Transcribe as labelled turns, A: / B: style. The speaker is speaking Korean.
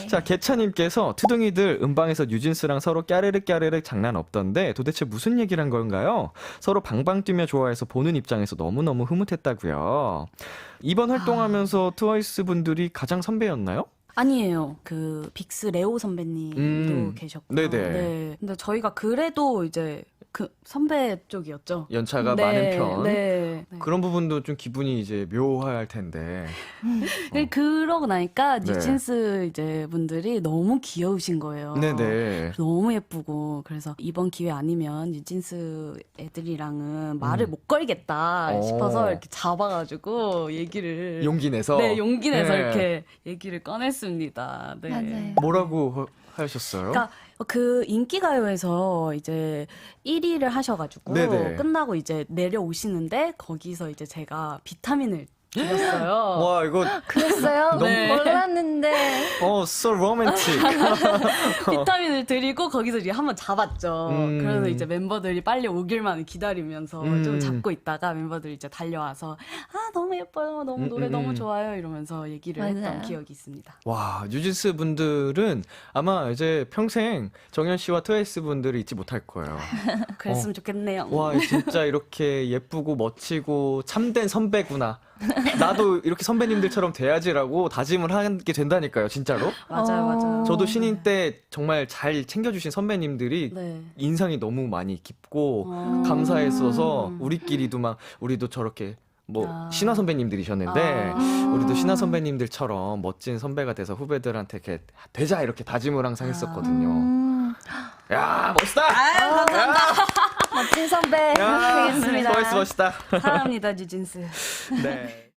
A: 자, 개차님께서 투둥이들 음방에서 뉴진스랑 서로 까르륵 까르륵 장난 없던데 도대체 무슨 얘기를 한 건가요? 서로 방방 뛰며 좋아해서 보는 입장에서 너무너무 흐뭇했다고요. 이번 활동하면서 트와이스 분들이 가장 선배였나요?
B: 아니에요. 그 빅스 레오 선배님도 계셨고요.
A: 네네.
B: 네. 근데 저희가 그래도 이제 그 선배 쪽이었죠.
A: 연차가
B: 네,
A: 많은 편.
B: 네.
A: 그런 부분도 좀 기분이 이제 묘할 텐데.
B: 그러고 나니까
A: 네.
B: 뉴진스 이제 분들이 너무 귀여우신 거예요.
A: 네네.
B: 너무 예쁘고 그래서 이번 기회 아니면 뉴진스 애들이랑은 말을 못 걸겠다 싶어서 이렇게 잡아가지고 얘기를
A: 용기 내서.
B: 네, 용기 내서
A: 네.
B: 이렇게 얘기를 꺼냈습니다. 네.
C: 맞아요.
A: 뭐라고 하셨어요?
B: 그러니까 그 인기가요에서 이제 1위를 하셔가지고
A: 네네.
B: 끝나고 이제 내려오시는데 거기서 이제 제가 비타민을 드렸어요.
A: 와, 이거,
C: 그랬어요?
B: 네.
C: 몰랐는데.
A: so romantic.
B: 비타민을 드리고 거기서 이제 한번 잡았죠. 그래서 이제 멤버들이 빨리 오길만 기다리면서 좀 잡고 있다가 멤버들이 이제 달려와서 아 너무 예뻐요, 너무 노래 너무 좋아요 이러면서 얘기를
C: 맞아요.
B: 했던 기억이 있습니다.
A: 와, 뉴진스 분들은 아마 이제 평생 정현 씨와 트와이스 분들을 잊지 못할 거예요.
B: 그랬으면 좋겠네요.
A: 와, 진짜 이렇게 예쁘고 멋지고 참된 선배구나. 나도 이렇게 선배님들처럼 돼야지라고 다짐을 하게 된다니까요, 진짜로.
B: 맞아요, 맞아요.
A: 저도 신인 때 정말 잘 챙겨주신 선배님들이
B: 네.
A: 인상이 너무 많이 깊고 감사했어서 우리끼리도 막 우리도 저렇게 뭐 신화 선배님들이셨는데 우리도 신화 선배님들처럼 멋진 선배가 돼서 후배들한테 이렇게 되자 이렇게 다짐을 항상 했었거든요. 야, 멋있다.
B: 아유, 감사합니다.
C: 멋진 선배
A: 야,
C: 되겠습니다.
A: 트와이스 멋있다.
B: 사랑합니다, 뉴진스.
A: 네.